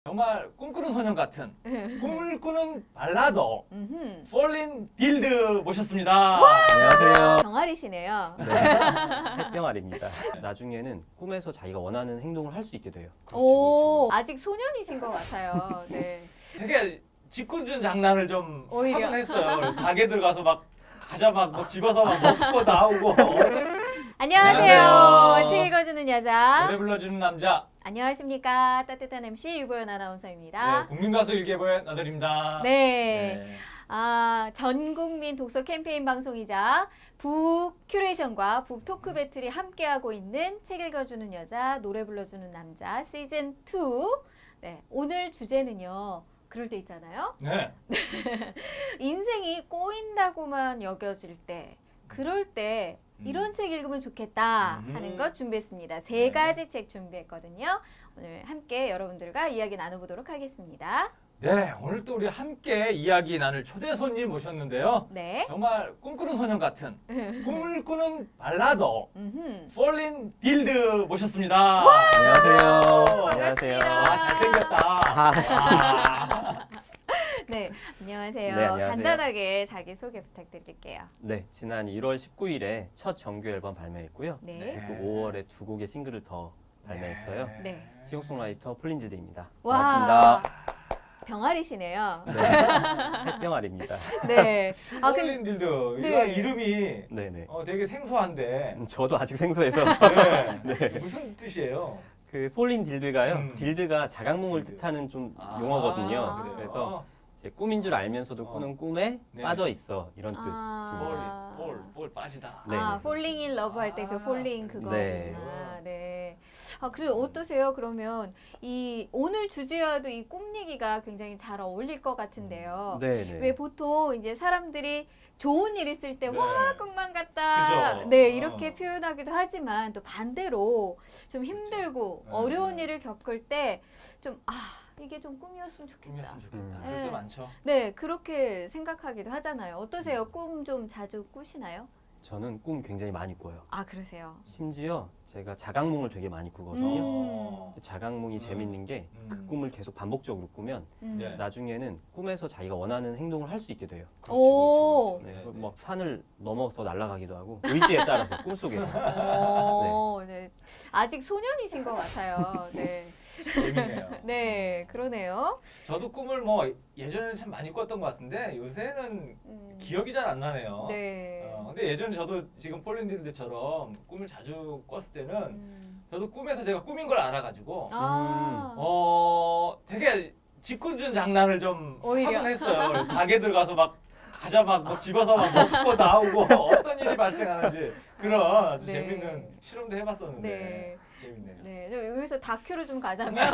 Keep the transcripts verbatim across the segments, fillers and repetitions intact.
정말 꿈꾸는 소년 같은 꿈을 꾸는 발라더 음흠. 폴린 딜드 모셨습니다. 안녕하세요. 병아리시네요. 네, 햇병아리입니다. 나중에는 꿈에서 자기가 원하는 행동을 할 수 있게 돼요. 오, 아직 소년이신 것 같아요. 네. 되게 짓궂은 장난을 좀 오히려. 하곤 했어요. 가게 들어가서 막 과자 막뭐 집어서 막 먹고 나오고 안녕하세요. 안녕하세요. 책 읽어주는 여자. 노래 불러주는 남자. 안녕하십니까. 따뜻한 엠씨 유보연 네, 아나운서입니다. 국민가수 일개보의 나들입니다. 네. 아, 전 국민 독서 캠페인 방송이자 북 큐레이션과 북 토크 배틀이 함께하고 있는 책 읽어주는 여자, 노래 불러주는 남자 시즌 투. 네, 오늘 주제는요. 그럴 때 있잖아요. 네. 인생이 꼬인다고만 여겨질 때, 그럴 때 이런 음. 책 읽으면 좋겠다 음. 하는 것 준비했습니다. 세 네. 가지 책 준비했거든요. 오늘 함께 여러분들과 이야기 나눠보도록 하겠습니다. 네, 오늘 또 우리 함께 이야기 나눌 초대 손님 모셨는데요. 네. 정말 꿈꾸는 소년 같은 꿈을 꾸는 발라더 음흠. 폴린 딜드 모셨습니다. 안녕하세요. 반갑습니다. 아, 잘생겼다. 아, 네, 안녕하세요. 네, 안녕하세요. 간단하게 자기 소개 부탁드릴게요. 네, 지난 일월 십구일에 첫 정규 앨범 발매했고요. 네. 네. 또 오월에 두 곡의 싱글을 더 발매했어요. 네. 싱어송라이터 폴린딜드입니다. 와, 반갑습니다. 병아리시네요. 네, 햇병아리입니다. 네. 아, 근 폴린 딜드. 네. 이거 이름이 네네. 어, 되게 생소한데 음, 저도 아직 생소해서 네. 네. 무슨 뜻이에요? 그 폴린딜드가요. 음. 딜드가 자각몽을 딜드. 뜻하는 좀 아, 용어거든요. 그래요? 그래서 이제 꿈인 줄 알면서도 어. 꾸는 꿈에 네. 빠져 있어 이런 뜻. 아. 폴, 폴, 폴 빠지다. 네. 아, falling in love 할 때 그 아, falling 그거구나. 네. 네. 아, 그리고 어떠세요? 그러면 이 오늘 주제와도 이 꿈 얘기가 굉장히 잘 어울릴 것 같은데요. 네네. 왜 보통 이제 사람들이 좋은 일 있을 때 네. 와 꿈만 같다. 그죠? 네, 이렇게 어. 표현하기도 하지만 또 반대로 좀 힘들고 네. 어려운 일을 겪을 때 좀 아, 이게 좀 꿈이었으면 좋겠다. 꿈이었으면 좋겠다. 음. 그럴 때 네. 많죠. 네, 그렇게 생각하기도 하잖아요. 어떠세요? 꿈 좀 자주 꾸시나요? 저는 꿈 굉장히 많이 꿔요. 아, 그러세요. 심지어 제가 자각몽을 되게 많이 꾸거든요. 음. 자각몽이 음. 재밌는 게 그 음. 꿈을 계속 반복적으로 꾸면 음. 네. 나중에는 꿈에서 자기가 원하는 행동을 할 수 있게 돼요. 그렇지, 오. 그렇지, 네, 그렇지. 네, 막 산을 넘어서 날아가기도 하고 의지에 따라서 꿈속에서. 어, 네. 아직 소년이신 것 같아요. 네. 네. 재밌네요. 네, 그러네요. 저도 꿈을 뭐 예전에는 참 많이 꿨던 것 같은데 요새는 음. 기억이 잘 안 나네요. 네. 어, 근데 예전에 저도 지금 폴린딜드처럼 꿈을 자주 꿨을 때는 음. 저도 꿈에서 제가 꿈인 걸 알아가지고 아. 어 되게 짓궂은 장난을 좀 오히려. 하곤 했어요. 가게 들어가서 막 과자 막뭐 집어서 막 먹고 나오고 어떤 일이 발생하는지 그런 아주 네. 재밌는 실험도 해봤었는데 네. 재밌네요. 네, 저 여기서 다큐를 좀 가자면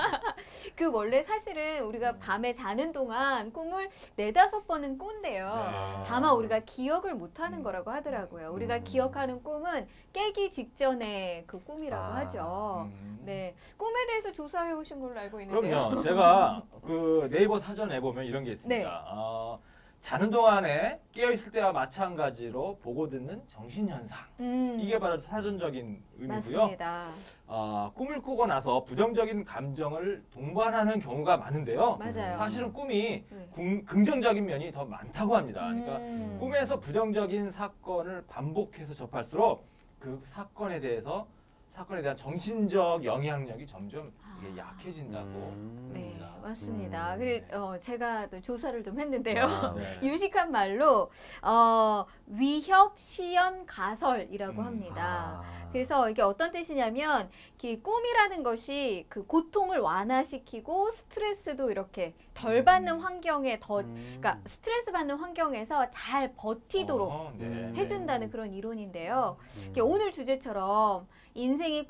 그 원래 사실은 우리가 밤에 자는 동안 꿈을 네다섯 번은 꾼대요. 네. 다만 우리가 기억을 못하는 음. 거라고 하더라고요. 우리가 음. 기억하는 꿈은 깨기 직전에 그 꿈이라고 아. 하죠. 음. 네, 꿈에 대해서 조사해 오신 걸로 알고 있는데요. 그럼요. 제가 그 네이버 사전에 보면 이런 게 있습니다. 네. 어, 자는 동안에 깨어 있을 때와 마찬가지로 보고 듣는 정신 현상. 음, 이게 바로 사전적인 의미고요. 맞습니다. 어, 꿈을 꾸고 나서 부정적인 감정을 동반하는 경우가 많은데요. 맞아요. 사실은 꿈이 네. 궁- 긍정적인 면이 더 많다고 합니다. 그러니까 음. 꿈에서 부정적인 사건을 반복해서 접할수록 그 사건에 대해서 사건에 대한 정신적 영향력이 점점 이게 아. 약해진다고. 음. 네, 합니다. 맞습니다. 음. 그래, 어, 제가 또 조사를 좀 했는데요. 아, 네. 유식한 말로 어, 위협 시연 가설이라고 음. 합니다. 아. 그래서 이게 어떤 뜻이냐면 이 꿈이라는 것이 그 고통을 완화시키고 스트레스도 이렇게 덜 받는 음. 환경에 더 음. 그러니까 스트레스 받는 환경에서 잘 버티도록 어, 네, 음. 네. 해준다는 그런 이론인데요. 음. 이게 오늘 주제처럼 인생이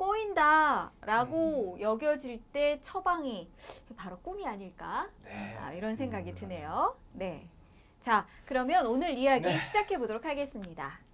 꼬인다라고 음. 여겨질 때 처방이 바로 꿈이 아닐까? 네. 아, 이런 생각이 음. 드네요. 네. 자, 그러면 오늘 이야기 네. 시작해 보도록 하겠습니다.